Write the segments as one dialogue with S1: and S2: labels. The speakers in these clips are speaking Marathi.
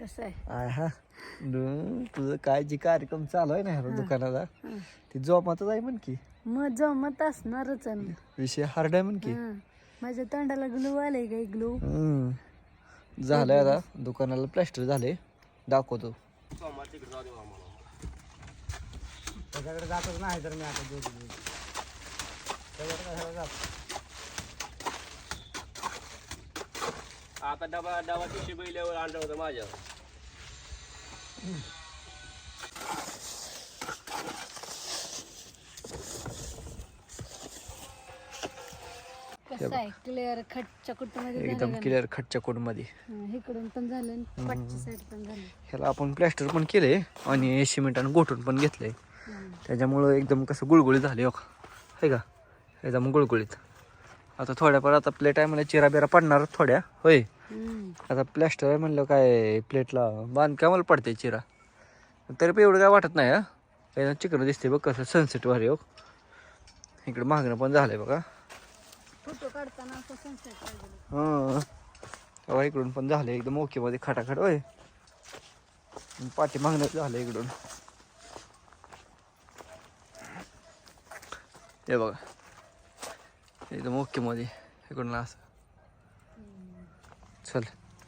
S1: कसं आहे
S2: आय हा तुझं काय जे कार्यक्रम चालू आहे ना ह्या दुकानाचा ती जोमातच आहे म्हण की
S1: मग जमत असणारच आहे ना.
S2: विषय हार्ड आहे म्हण की
S1: माझ्या तोंडाला ग्लू आले काय ग्लू.
S2: झालंय आता दुकानाला प्लॅस्टर झाले दाखवतो. त्याच्याकडे जातच नाही तर मी आता
S3: आता डबा टिशी बैल्यावर आणलं होतं माझ्या.
S1: कसं आहे क्लिअर खटच्या कुटमध्ये
S2: एकदम क्लिअर खटच्या कोड मध्ये
S1: इकडून पण झालं पाठच्या साईड पण झालं.
S2: ह्याला आपण प्लॅस्टर पण केले आणि सिमेंटानं गोठून पण घेतलंय. त्याच्यामुळं एकदम कसं गुळगुळीत झाले हो आहे का एकदम गुळगुळीत. आता थोड्याफार आता प्लेट आहे मला चिरा बिरा पडणार थोड्या होय. आता प्लॅस्टर आहे म्हणलं काय प्लेटला बांधकामाला पडते चिरा तरी पण एवढं काय वाटत नाही. एकदम चिकन दिसते बघ कसं सनसेट वारे हो. इकडे मागणं पण झालंय बघा.
S1: फोटो काढताना असं सनसेट पाहिजे.
S2: हां तेव्हा इकडून पण झालं एकदम ओके मध्ये खटाखट होय. पाठी मागणं झालं इकडून हे बघा एकदम ओके मध्ये इकडून असं चल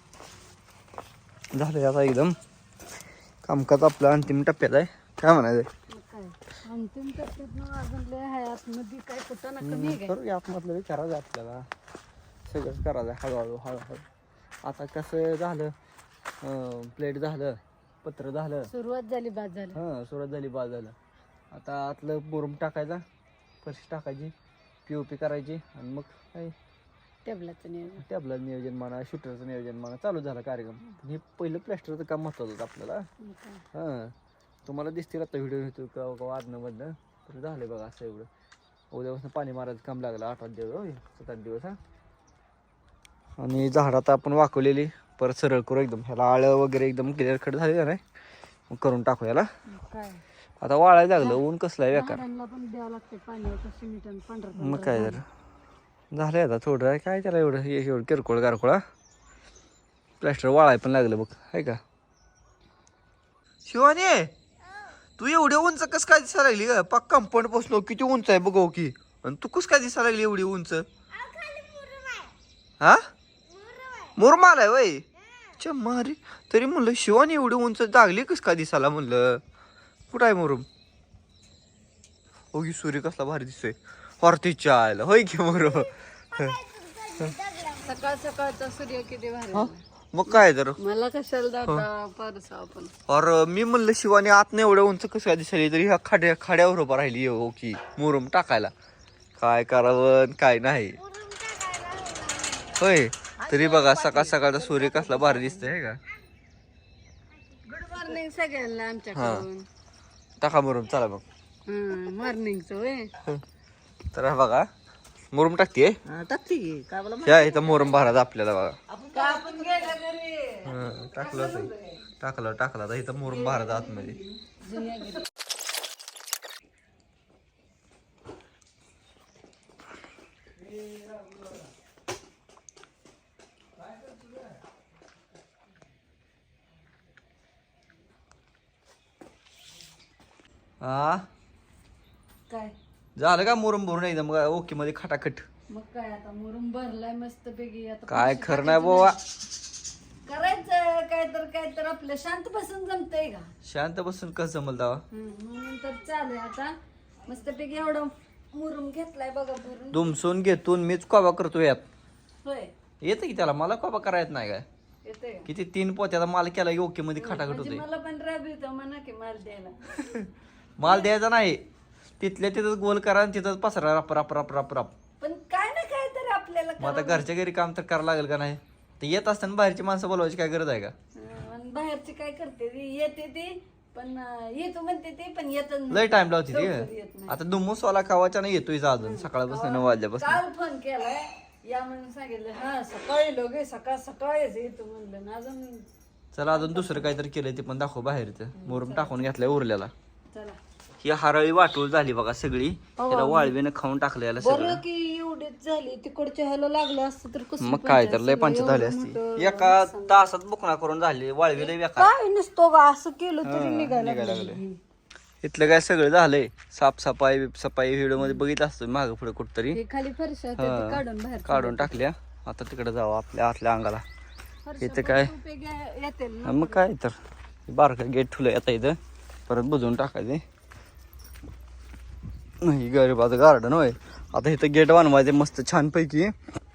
S2: झालंय आता एकदम कामकाज आपलं अंतिम टप्प्यात आहे. काय म्हणायचं
S1: काय अंतिम टप्प्यात अजून लय आहे आतमध्ये काय कुठं ना कमी आहे काय.
S2: करूया आतमधलं विचारायचं आपल्याला सगळंच करायचं हळूहळू हळूहळू. आता कसं झालं प्लेट झालं पत्र झालं
S1: सुरुवात झाली बाद झालं.
S2: हां सुरुवात झाली बाद झालं. आता आतलं मुरुम टाकायचा फरशी टाकायची POP करायची आणि मग काय
S1: टेबलाचं नियोजन
S2: टॅबलं नियोजन म्हणा शूटरचं नियोजन म्हणा चालू झालं कार्यक्रम. हे पहिलं प्लॅस्टरचं काम महत्त्वाचं होतं आपल्याला. हां तुम्हाला दिसतील आता व्हिडिओ घेतो का आदनंमधनं तर झालं बघा असं एवढं. उद्यापासून पाणी मारायचं काम लागलं 8-8 दिवस होय 7-8 दिवस हां. आणि झाड आता आपण वाकवलेली परत सरळ करू एकदम ह्याला आळं वगैरे एकदम क्लिअर कट झाले का नाही मग करून टाकू याला.
S1: काय
S2: आता वाळायला लागलं ऊन कसलं आहे बेकार.
S1: झाडांना पण द्यावं लागते पाणी आता सिमेंट आणि पांढरं
S2: मग काय जर झालंय आता थोडं आहे काय त्याला एवढं किरकोळ गारकोळा प्लॅस्टर वाळाय पण लागलं बघ आहे का. शिवानी तू एवढी उंच कस काय दिसायला लागली का पक्का कंपाऊंड बसलो किती उंच आहे बघ की आणि तू कस काय दिसायला लागली एवढी उंच. हा मुरमाल आहे वय मारी तरी म्हणलं शिवानी एवढी उंच जागली कस काय दिसायला म्हणलं कुठं आहे मुरुम. हो की सूर्य कसला भारी दिसतोय हॉर्तीच्या आयला होय की मुरुम.
S1: सकाळ सकाळचा सूर्य किती भारी.
S2: मग काय तर
S1: मला कशाला जाता परसा आपण.
S2: और मी म्हणलं शिवानी आत नाही एवढ्या उंच कसं काय दिसायली तरी ह्या खाड्यावर उभा राहिली हो की मुरुम टाकायला काय करावं काय नाही होय. तरी बघा सकाळ सकाळचा सूर्य कसला भारी दिसतोय का.
S1: गुड मॉर्निंग सगळ्यांना आमच्याकडून.
S2: टाका मुरुम चला मग
S1: मॉर्निंगचं होय.
S2: तर हा बघा मुरुम टाकते
S1: टाकते काय बोला
S2: ह्या इथं मुरुम भरायचा आपल्याला बघा.
S1: आपण गेलं घरी
S2: टाकलं तर इथं मुरुम भरायचा आतमध्ये. हा
S1: काय
S2: झालं का मुरुम भरून एकदम ओके मध्ये खटाखट.
S1: मग काय आता मुरुम भरलाय मस्त पैकी. आता
S2: काय
S1: पैसे
S2: खरं नाही
S1: टाकायचे
S2: बाबा.
S1: करायचं काय तर आपलं शांत बसून जमतंय का.
S2: शांत बसून कसं जमल तेव्हा.
S1: म्हणून तर चालेल आता मस्त पैकी एवढं मुरुम घेतलाय बघा भरून.
S2: दुमसून घेतून मीच कोबा करतो यात.
S1: होय
S2: येतं की त्याला मला कोबा करायच नाही काय
S1: येतंय का?
S2: किती 3 पोत्याचा माल केला ओके मध्ये खटाखट
S1: म्हणजे
S2: होते.
S1: मला पण राब येतो म्हणा की माल द्यायला.
S2: माल द्यायचा नाही तिथल्या तिथं गोल करा आणि तिथं पसरा रप रप रप रप रप.
S1: पण काय ना काय तर आपल्याला
S2: मग आता घरच्या घरी काम तर करावं लागेल का नाही. ते येत असताना बाहेरची माणसं बोलवायची काय गरज आहे का.
S1: आणि बाहेरची काय करते ती येते ती पण येतो म्हणते ती पण येत
S2: लय टाइम लावते ती. आता दुमूसवाला खावाच्या नाही येतोय अजून सकाळपासून 9 वाजल्यापासून.
S1: काल फोन केलाय या म्हणून सांगितलं हा सकाळी लोक सकाळीच येतो म्हणलं ना अजून.
S2: चला अजून दुसरं काहीतरी केलंय ते पण दाखव बाहेरचं मुरुम टाकून घेतलंय उरल्याला.
S1: चला
S2: ही हरळी वाटूळ झाली बघा सगळी. त्याला वाळवीनं खाऊन टाकलं याला
S1: बरं
S2: सगळं.
S1: की एवढीच झाली तिकडच्या ह्याला लागलं असतं तर कसं
S2: मग काय तर लय पंचायत झाली असती. एका तासात बुकणा करून झाली वाळवी लय बेकार.
S1: काय नसतो का असं केलं तरी निघायला
S2: लागले. इथलं काय सगळं झालंय. साफसफाई व्हिडिओ मध्ये बघितलं असतं मागं पुढे कुठतरी.
S1: हे खाली फरशा होत्या ते काढून बाहेर
S2: काढून टाकल्या. आता तिकडे जावं आपल्या आतल्या अंगाला.
S1: फरशा
S2: इथं काय
S1: येतील ना.
S2: मग काय तर बारका गेट ठेवलंय आता इथं. परत बुजवून टाकायचे. नाही गरीबाचं गार्डन होय. आता इथं गेट बनवायचे मस्त छानपैकी.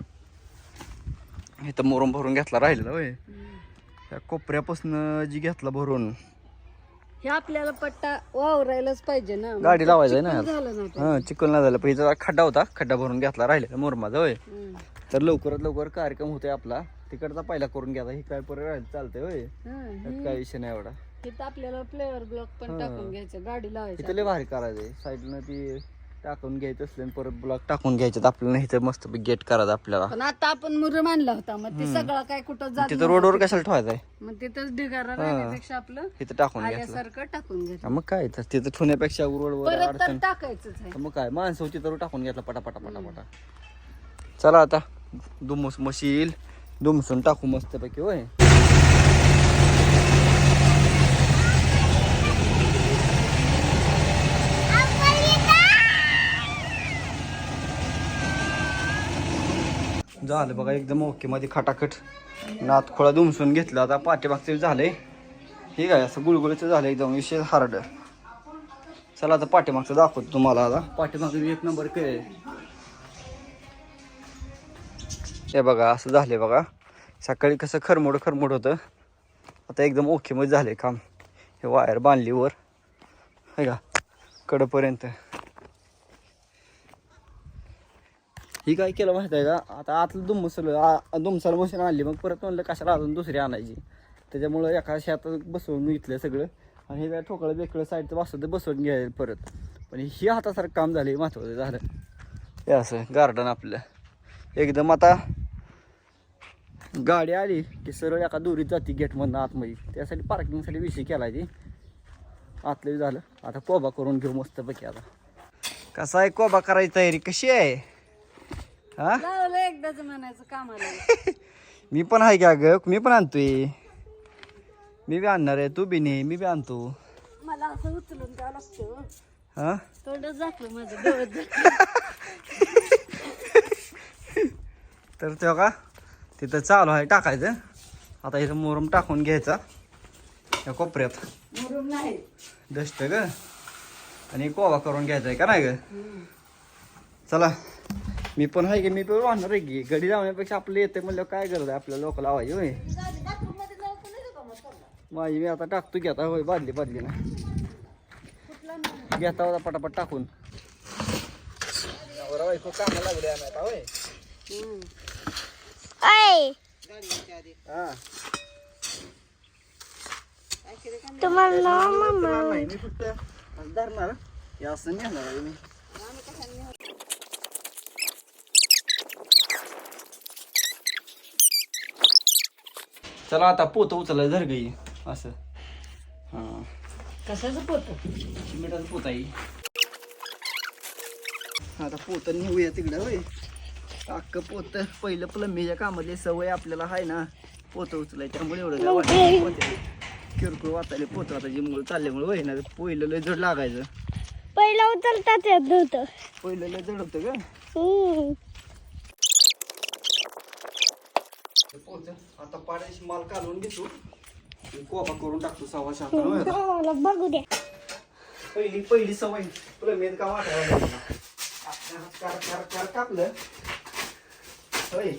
S2: इथं मोरम भरून घेतला राहिलेला होय. त्या कोपऱ्यापासून जी घेतला भरून
S1: हे आपल्याला पट्टा वावरायलाच पाहिजे ना.
S2: गाडी लावायचं ना.
S1: झालं नव्हतं.
S2: हा चिकल नाही झालं. पहिला खड्डा होता. खड्डा भरून घेतला राहिलेला मोरमाचा होय. तर लवकरात लवकर कार्यक्रम होतोय आपला. तिकडचा पहिला करून घ्यायचा. ही काय परत राहिलं चालतंय होय. त्यात काय विषय नाही एवढा.
S1: इथं आपल्याला फ्लेवर ब्लॉक पण टाकून घ्यायचं गाडी लावायची.
S2: इथं लय भारी करायचंय. साईडनं ती टाकून घ्यायचं असले परत ब्लॉक टाकून घ्यायचं आपल्याला. इथं मस्त गेट करायचं आपल्याला.
S1: पण आता आपण मुरुम आणला होता मग ते सगळं काय कुठं जात
S2: तिथं रोडवर कशाला ठेवायचंय.
S1: मग तिथंच ढिगारा राहण्यापेक्षा आपलं
S2: इथं टाकून घ्यायचं.
S1: आल्यासारखं टाकून घ्यायचं.
S2: मग काय तर तिथं ठेवण्यापेक्षा रोडवर
S1: परत तर
S2: अडचण.
S1: टाकायचंच आहे.
S2: मग काय माणसं होती तर टाकून घेतला पटापटा पटापटा. चला आता दुमस मशील दुमसून टाकू मस्तपैकी होय. झालं बघा एकदम ओके मध्ये खटाखट. नात खोळा दुमसून घेतला. आता पाठीमागचं झालंय. ठीक आहे असं गुळगुळीचं झालं एकदम विशेष हार्ड. चला आता पाठीमागचं दाखवतो तुम्हाला. आता पाठीमागचं एक नंबर केलंय. हे बघा असं झालंय बघा. सकाळी कसं खरमोड होतं. आता एकदम ओके मध्ये झालंय काम. हे वायर बांधली वर आहे का कडपर्यंत. ही काय केलं माहिती आहे का. आता आतलं दुमसाला मशीन आणली. मग परत म्हणलं कशाला अजून दुसरी आणायची. त्याच्यामुळं एका शेतात बसवून घेतलं सगळं. आणि हे काय ठोकळं बेकळं साईडचं बसवतं बसवून घ्यायला परत. पण ही हातासारखं काम झालं. महत्वाचं झालं हे असं गार्डन आपलं एकदम. आता गाडी आली की सरळ एका दोरीत जाते गेटमधनं आतमध्ये. त्यासाठी पार्किंगसाठी विषय केला ती. आतलं झालं. आता कोबा करून घेऊ मस्तपैकी. आता कसा आहे कोबा करायची तयारी कशी आहे. हा
S1: लावलं एकदाच म्हणायचं कामाला.
S2: मी पण आहे का ग. मी पण आणतोय. मी बी आणणार आहे. तू बी नाही मी बी आणतो.
S1: मला असं उचलून द्यावं लागतं.
S2: हा
S1: थोडं झाकलं माझं डोळ्यात.
S2: तर तेव्हा का तिथं चालू आहे टाकायचं. आता इथं मोरम टाकून घ्यायचा या कोपऱ्यात.
S1: मुरुम नाही
S2: डस्ट ग. आणि कोबा करून घ्यायचा आहे का नाही ग. चला मी पण आहे की. मी पण वाहणार आहे की. गडी लावण्यापेक्षा आपलं येते म्हणलं काय गरज आहे आपल्याला लोक लावायची होय. माझी मी आता टाकतो की. आता होय बादली ना घेता होता पटापट टाकून. कामं लागले आम्ही आता होय. तुम्हाला मी फक्त धरणार या असं नेणार आहे मी. चला आता पोतं उचलायचं धर गई असं. हा
S1: कशाचं पोत.
S2: मिठाचं पोत आहे. आता पोतं नेऊया तिकडं होय. अख्खं पोतं पहिलं प्लंबीच्या कामातली सवय आपल्याला आहे ना पोतं उचलाय. त्यामुळे एवढं काय वाटतं. किरकोळ वाचायला पोतं आता जिमूळ चालल्यामुळे होय ना. पहिलं लय जड लागायचं.
S4: पहिला उचलताच येत नव्हतं.
S2: पहिलं लय जड होतं का. आता पाण्याची माल काढून घेतो. कोबा करून टाकतो 6:15.
S4: बघू द्या.
S2: पहिली सवय प्लंबीत काम वाटायला कापलं होय.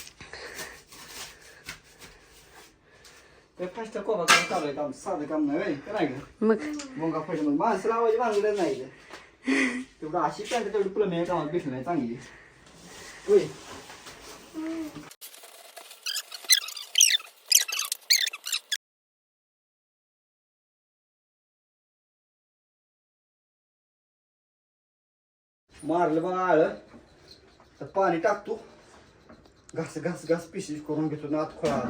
S2: ते फास्ट कोबा करून चालू आहे काम. साधं काम नाही होय का नाही ग.
S1: मग
S2: मुंगा फायदा माणसं लावायची भांगडच नाही. तेवढं अशी पॅन्ट तेवढी प्लंबी कामात भेटली नाही चांगली होय. मारलं बघा आळं तर पाणी टाकतो. घास पिशीज करून घेतो ना. आत खोळा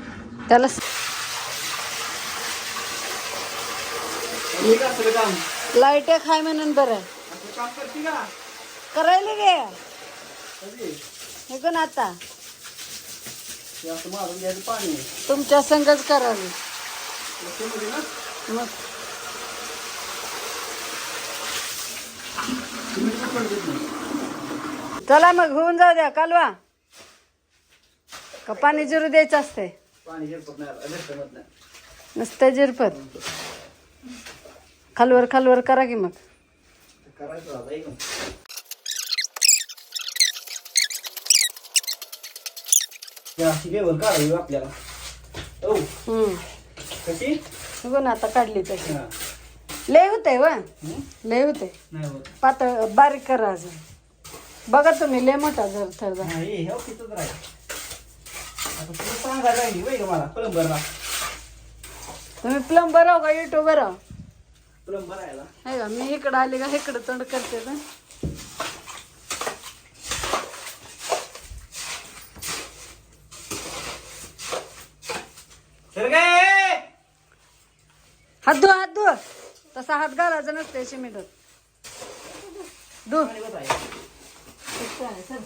S1: त्याला
S2: हे कसं काम
S1: लाईट एक हाय म्हणून बरं
S2: काम करते का
S1: करायला गे
S2: कधी
S1: हे कोण आता
S2: ते असं मारून घ्यायचं पाणी
S1: तुमच्या संगच करावी
S2: मध्ये ना
S1: मग
S2: तुम्ही पकड देत नाही.
S1: चला मग होऊन जाऊ द्या कालवा का पाणी जिरू द्यायचं असते
S2: पाणी झिरपत नाही झिरपत नाही
S1: नुसतं जिरपत खालवर करा की मग
S2: करायचं आता एकदम अशी लेवल काढावी आपल्याला हो कशी
S1: बघून आता काढली तशी
S2: हा.
S1: लय होते व
S2: हं?
S1: लय होते
S2: नाही होत
S1: पातळ बारीक करा अजून बघा तुम्ही लय मोठा जर थर
S2: नाही हे तिथंच राहील आता तुला सांगायला राहिली वय का मला प्लंबरला
S1: तुम्ही प्लंबर आहो का युट्यूबर आहो
S2: प्लंबर राहायला
S1: आहे का मी इकडं आली का इकडं तोंड करते ना
S2: सर काय
S1: हात धु तसा हात घालायचा नसते शिमिटत धु चल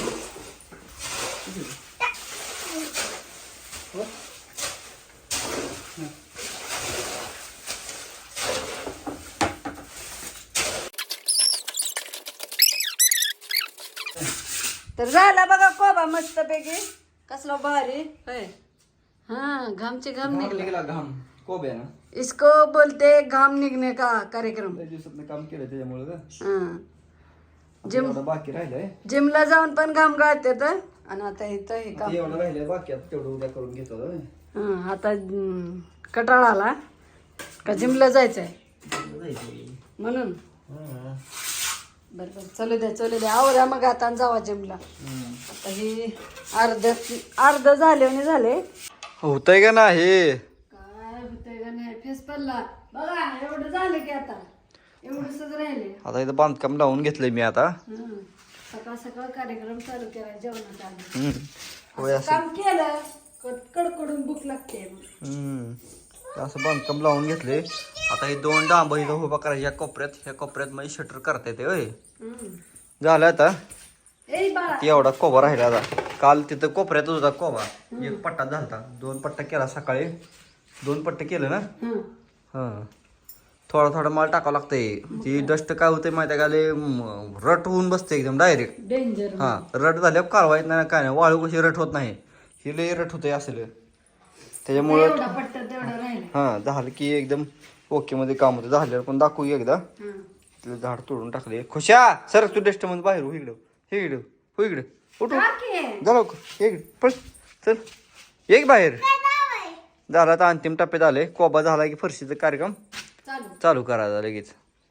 S1: तर झाला बघा कोबा मस्त पैकी कसला भारी होय हाँ घामचे घाम निघले
S2: गेला घाम कोब्या ना
S1: इसको बोलते घाम निघने का कार्यक्रम
S2: लय दिवसात काम केलं त्याच्यामुळे का
S1: हाँ जिम
S2: एवढं बाकी राहिलंय
S1: जिमला जाऊन पण घाम गाळते तर आणि आता इथं हे काम
S2: एवढं राहिलंय बाकी आता तेवढं उद्या करून घेतो होय.
S1: हा आता कटाळा आला का जिमला जायचंय
S2: जायचं.
S1: म्हणून
S2: हा.
S1: बरं चलू द्या आवरा मग आता आणि जावा जिमला
S2: हम्म.
S1: आता ही अर्ध झाले
S2: होतंय का नाही
S1: काय होतंय का नाही फेस पडला बघा एवढं झालं की आता एवढंच राहिले
S2: आता इथं बांधकाम लावून घेतलंय मी आता
S1: सकाळ कार्यक्रम चालू केला जेवणाचा आधी.
S2: हम्म. होय
S1: असं
S2: असं
S1: काम केलं कडकडून भूक लागते मग.
S2: हम्म. ते असं बांधकाम लावून घेतले आता हे 2 डांब इथं उभा करायचे ह्या कोपऱ्यात मध्ये शटर करता येते होय
S1: हम्म.
S2: झालं आता
S1: ए बाळा
S2: ती एवढा कोबा राहिला आता काल तिथं कोपऱ्यात होता कोबा एक पट्टा झालता 2 पट्टा केला सकाळी 2 पट्टे केलं ना
S1: हं.
S2: हा थोडा माल टाकावं लागतंय ती डस्ट काय होते माहिती आहे का लय रट होऊन बसते एकदम डायरेक्ट
S1: डेंजर
S2: हा रट झाल्यावर कालवा येत नाही काय नाही वाळू कशी रट होत नाही ही लय रट होते असलं त्याच्यामुळं
S1: एवढा पट्टा तेवढा राहिला
S2: हा झालं की एकदम ओके मध्ये काम होतं झाल्यावर पण दाखवू एकदा
S1: हं.
S2: तिला झाड तोडून टाकले खुशा सर तू डस्ट मध्ये बाहेर हो इकडं उठू
S1: टाके.
S2: झालं इकडे पळ चल एक बाहेर झाला आता अंतिम टप्प्यात आले कोबा झाला की फरशीचा कार्यक्रम चालू करायचा लगेच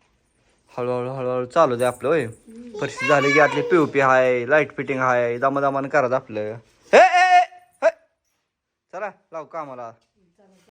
S2: हळूहळू चालू दे आपलं होय फरशी झाली की आतली पीओपी हाय लाईट फिटिंग हाय दामादामान करायचं आपलं हे चला लाव कामाला